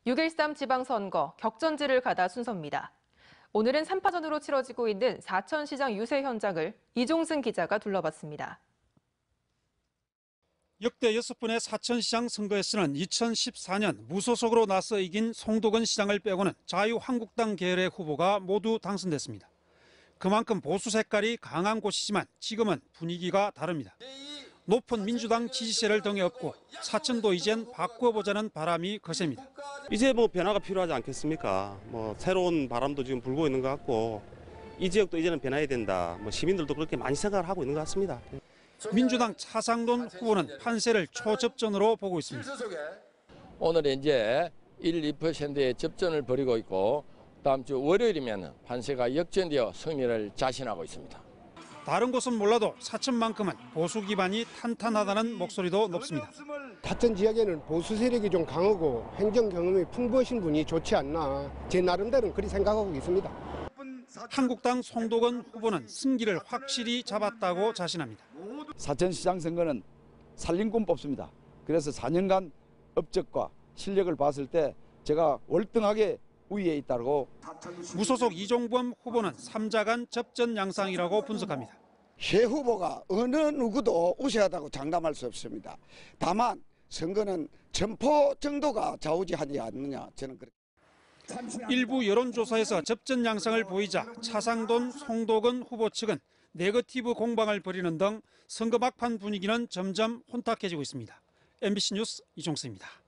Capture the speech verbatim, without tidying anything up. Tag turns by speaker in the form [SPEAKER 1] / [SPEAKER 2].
[SPEAKER 1] 육 일삼 지방선거 격전지를 가다 순서입니다. 오늘은 삼 파전으로 치러지고 있는 사천시장 유세 현장을 이종승 기자가 둘러봤습니다.
[SPEAKER 2] 역대 여섯 번의 사천시장 선거에서는 이천십사 년 무소속으로 나서 이긴 송도건 시장을 빼고는 자유한국당 계열의 후보가 모두 당선됐습니다. 그만큼 보수 색깔이 강한 곳이지만 지금은 분위기가 다릅니다. 높은 민주당 지지세를 등에 업고 사천도 이젠 바꿔보자는 바람이 거셉니다.
[SPEAKER 3] 이제 뭐 변화가 필요하지 않겠습니까? 뭐 새로운 바람도 지금 불고 있는 것 같고 이 지역도 이제는 변해야 된다. 뭐 시민들도 그렇게 많이 생각을 하고 있는 것 같습니다.
[SPEAKER 2] 민주당 차상돈 후보는 판세를 초접전으로 보고 있습니다.
[SPEAKER 4] 오늘 이제 일, 이 퍼센트의 접전을 벌이고 있고 다음 주 월요일이면 판세가 역전되어 승리를 자신하고 있습니다.
[SPEAKER 2] 다른 곳은 몰라도 사천만큼은 보수 기반이 탄탄하다는 목소리도 높습니다.
[SPEAKER 5] 사천 지역에는 보수 세력이 좀 강하고 행정 경험이 풍부하신 분이 좋지 않나 제 나름대로는 그렇게 생각하고 있습니다.
[SPEAKER 2] 한국당 송도건 후보는 승기를 확실히 잡았다고 자신합니다.
[SPEAKER 6] 사천시장 선거는 살림꾼 뽑습니다. 그래서 사 년간 업적과 실력을 봤을 때 제가 월등하게 우위에 있다고.
[SPEAKER 2] 무소속 이종범 후보는 삼자간 접전 양상이라고 분석합니다.
[SPEAKER 7] 새 후보가 어느 누구도 우세하다고 장담할 수 없습니다. 다만 선거는 점포 정도가 좌우지하지 않느냐 저는 그렇게.
[SPEAKER 2] 일부 여론조사에서 접전 양상을 보이자 차상돈, 송도건 후보 측은 네거티브 공방을 벌이는 등 선거 막판 분위기는 점점 혼탁해지고 있습니다. 엠비씨 뉴스 이종수입니다.